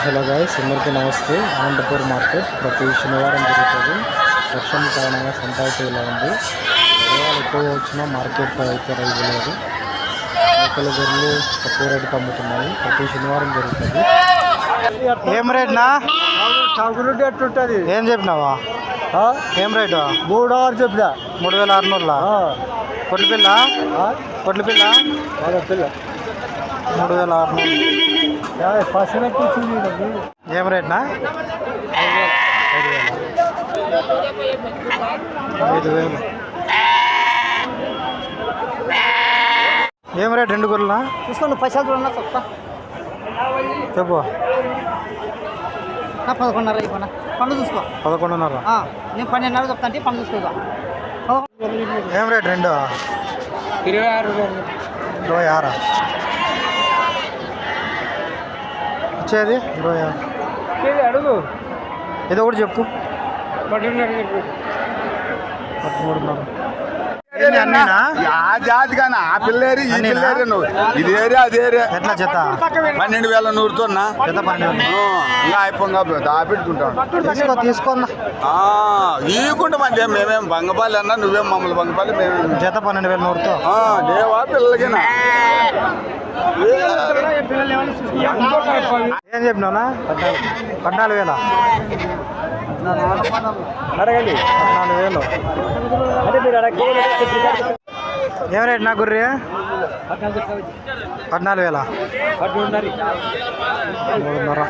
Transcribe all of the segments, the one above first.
Hello guys, అందరికీ నమస్తే. Anantapur market ప్రతి శనివారం జరుగుతుంది. వర్షం కారణంగా సంత అయితే ఇలా ఉంది. వివరాలు ఎక్కువగా వచ్చినా మార్కెట్ అయితే రైతు లేదు. మేకల గొర్రెలు తక్కువ రేటుకి అమ్ముతున్నాయి. ప్రతి శనివారం జరుగుతుంది. ఏం రేట్నా? ఎట్టుంటది? ఏం చెప్పినావా? ఏం రేటు? 3,600 చెప్పినా. 3,600. కొట్ల పిల్ల? కొట్ల పిల్ల? పిల్ల 3,600. ఏం రేట్నా? 5,000. ఏం రేట్ రెండు గొర్రెలా? చూసుకోండి, పైసలు చూడన్నా చెప్తా. చెప్పు. 11:30 అయిపోయినా పండు చూసుకో. 11:30. నేను 12:30 చెప్తా అంటే పండు చూసుకో. ఏం రేట్ రెండు? 26. 26. వచ్చేది 26. అడుగు. ఏదో ఒకటి చెప్పు. 13:30. జాతిగానా ఆ పిల్లేరి ఈ పిల్లేరి నువ్వు ఇది ఏరియా అది ఏరియా ఎట్లా జత? 12,100తో జత 12,000. ఇంకా అయిపోగా దాపెట్టుకుంటాం. తీసుకున్నా ఈకుంటే మంచి మేమేం బంగపాలి అన్నా నువ్వేం మమ్మల్ని బంగపాలి మేమేం జత 12,100తో. లేవా పిల్లలకినా ఏం చెప్పినావునా? 14,000. అడగండి. 14,000. ఏం రేట్ నా గుర్రి? 14,000. 3,500.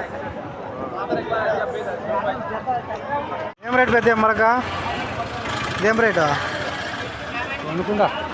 ఏం రేట్ పెద్ద మరక? ఏం రేటు? అనుకుందా